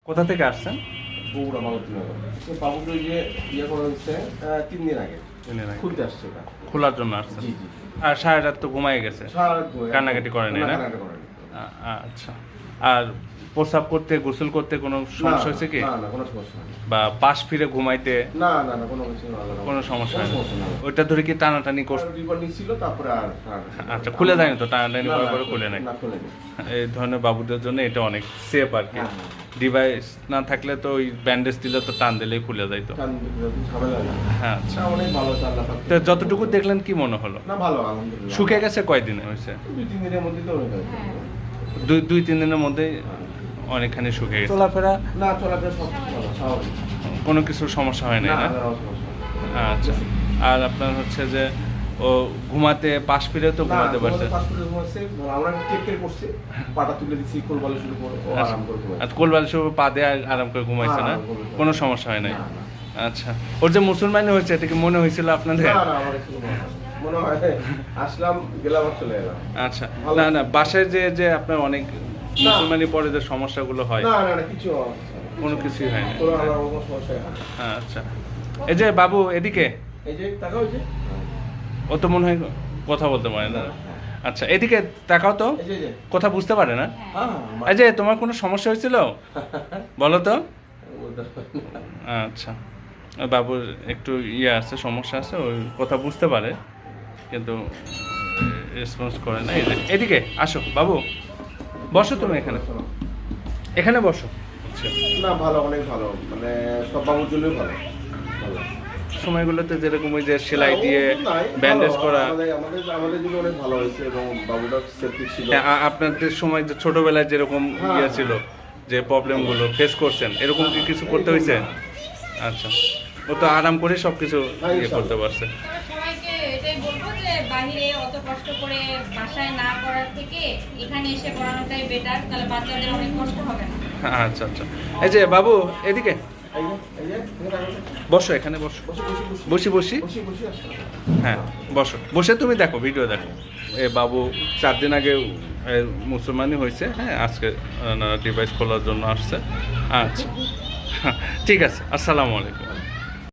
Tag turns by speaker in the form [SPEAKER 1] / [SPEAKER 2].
[SPEAKER 1] কোথা থেকে আসছেন?
[SPEAKER 2] বগুড়া মালতীনগর। বাবুকে যে ইয়ে করা হয়েছে 3 দিন আগে খুলতে আসছে এটা।
[SPEAKER 1] খোলার জন্য আসছেন?
[SPEAKER 2] জি জি।
[SPEAKER 1] আর সারা রাত তো ঘুমাই গেছে,
[SPEAKER 2] সারা রাত ঘুমায়।
[SPEAKER 1] কান্নাকাটি করে নাই না?
[SPEAKER 2] কান্নাকাটি করেনি।
[SPEAKER 1] আচ্ছা। আর প্রস্রাব করতে, গোসল করতে কোনো সমস্যা হয়েছে কি?
[SPEAKER 2] না না কোনো সমস্যা নেই।
[SPEAKER 1] বা পাশ ফিরে ঘুমাইতে
[SPEAKER 2] না না না কোনো কিছু না।
[SPEAKER 1] কোনো সমস্যা
[SPEAKER 2] কোনো
[SPEAKER 1] নেই?
[SPEAKER 2] সমস্যা না।
[SPEAKER 1] ওইটা ধরে কি টানাটানি করছে?
[SPEAKER 2] রিপোর্ট নিছিল তারপরে আর
[SPEAKER 1] আচ্ছা, খুলে যায়নি তো? টানাটানি
[SPEAKER 2] না,
[SPEAKER 1] করে
[SPEAKER 2] না,
[SPEAKER 1] করে খুলে নাই?
[SPEAKER 2] না খুলেনি।
[SPEAKER 1] এই ধরনের বাবুদের জন্য এটা অনেক সেফ আর কি।
[SPEAKER 2] হ্যাঁ, হ্যাঁ।
[SPEAKER 1] ডিভাইস না থাকলে তো ওই ব্যান্ডেজ দিলে তো টান দিলেই খুলে যাইতো।
[SPEAKER 2] কারণ ঝামেলা না।
[SPEAKER 1] হ্যাঁ, আচ্ছা।
[SPEAKER 2] অনেক ভালো আছে আল্লাহ পাক।
[SPEAKER 1] তো যতটুকু দেখলেন কি মনে হলো?
[SPEAKER 2] না ভালো আলহামদুলিল্লাহ।
[SPEAKER 1] শুকিয়ে গেছে কয়দিনে হয়েছে?
[SPEAKER 2] 2-3 দিনের মধ্যে তো হয়ে গেছে।
[SPEAKER 1] 2-3 দিনের মধ্যেই অনেকখানি শুকিয়ে গেছে। চলাফেরা
[SPEAKER 2] না চলাফেরা সব ভালো স্বাভাবিক।
[SPEAKER 1] কোনো কিছু সমস্যা হয় নাই
[SPEAKER 2] না
[SPEAKER 1] না?
[SPEAKER 2] না সমস্যা।
[SPEAKER 1] আচ্ছা। আর আপনার হচ্ছে যে ও ঘুমাতে পাশ ফিরে তো ঘুমাতে পারছে?
[SPEAKER 2] আমরা টেক কেয়ার করছি, পাটা তুলে দিচ্ছি, কোলবালি শুরু করে ও আরাম করে ঘুমায়।
[SPEAKER 1] আর কোলবালিশ পা দিয়ে আরাম করে ঘুমাইছে না? কোনো সমস্যা হয় নাই?
[SPEAKER 2] না, না।
[SPEAKER 1] আচ্ছা। ওর যে মুসলমানি হয়েছে এটা কি মনে হয়েছিল আপনাদের?
[SPEAKER 2] না না আমার কিছু মনে হয় আসলাম গেলাম আর চলে এলাম।
[SPEAKER 1] আচ্ছা। না না, বাসায় যে যে আপনার অনেক মুসলমানি পরে যে সমস্যাগুলো হয়
[SPEAKER 2] না না না কিছু
[SPEAKER 1] কোনো কিছুই হয় না?
[SPEAKER 2] কোনো আমার কোনো সমস্যা হয় না।
[SPEAKER 1] আচ্ছা। এই যে বাবু এদিকে,
[SPEAKER 2] এই যে তাকাও এই যে
[SPEAKER 1] ও তো মনে হয় কথা বলতে পারে না। আচ্ছা, এদিকে তাকাও তো।
[SPEAKER 2] এই যে
[SPEAKER 1] কথা বুঝতে পারে না?
[SPEAKER 2] হ্যাঁ
[SPEAKER 1] এই যে তোমার কোনো সমস্যা হয়েছিল বলো তো? আচ্ছা। ওই বাবুর একটু ইয়ে আছে, সমস্যা আছে, ওই কথা বুঝতে পারে কিন্তু রেসপন্স করে না। এই যে এদিকে আসো বাবু, বসো তুমি এখানে, এখানে বসো। আচ্ছা।
[SPEAKER 2] না ভালো অনেক ভালো, মানে সব বাবুর জন্যই ভালো। ভালো
[SPEAKER 1] সময়গুলোতে যেরকম ওই যে সেলাই দিয়ে
[SPEAKER 2] নাই,
[SPEAKER 1] ব্যান্ডেজ
[SPEAKER 2] ভালো,
[SPEAKER 1] করা,
[SPEAKER 2] আমাদের জন্য অনেক ভালো হয়েছে এবং বাবুটা সেফটি ছিল।
[SPEAKER 1] আপনাদের সময় যে ছোটবেলায় যেরকম ইয়ে ছিল, যে প্রবলেমগুলো ফেস করছেন, এরকম কি কিছু করতে হয়েছে? আচ্ছা। ও তো আরাম করে সব কিছু ইয়ে করতে পারছে।
[SPEAKER 3] তবে সবাইকে এটাই বলবো যে বাইরে অত কষ্ট করে বাসায় না করার থেকে এখানে এসে পড়ানোটাই বেটার, তাহলে বাচ্চাদের অনেক কষ্ট হবে না।
[SPEAKER 1] আচ্ছা আচ্ছা। এই যে বাবু এদিকে
[SPEAKER 2] এই যে, এখানে
[SPEAKER 1] বসো, এখানে বসো। বসি বসি।
[SPEAKER 2] আসো।
[SPEAKER 1] হ্যাঁ বসো, বসে তুমি দেখো, ভিডিও দেখো। এ বাবু 4 দিন আগে মুসলমানি হয়েছে, হ্যাঁ আজকে ডিভাইস খোলার জন্য আসছে। আচ্ছা ঠিক আছে, আসসালামু আলাইকুম।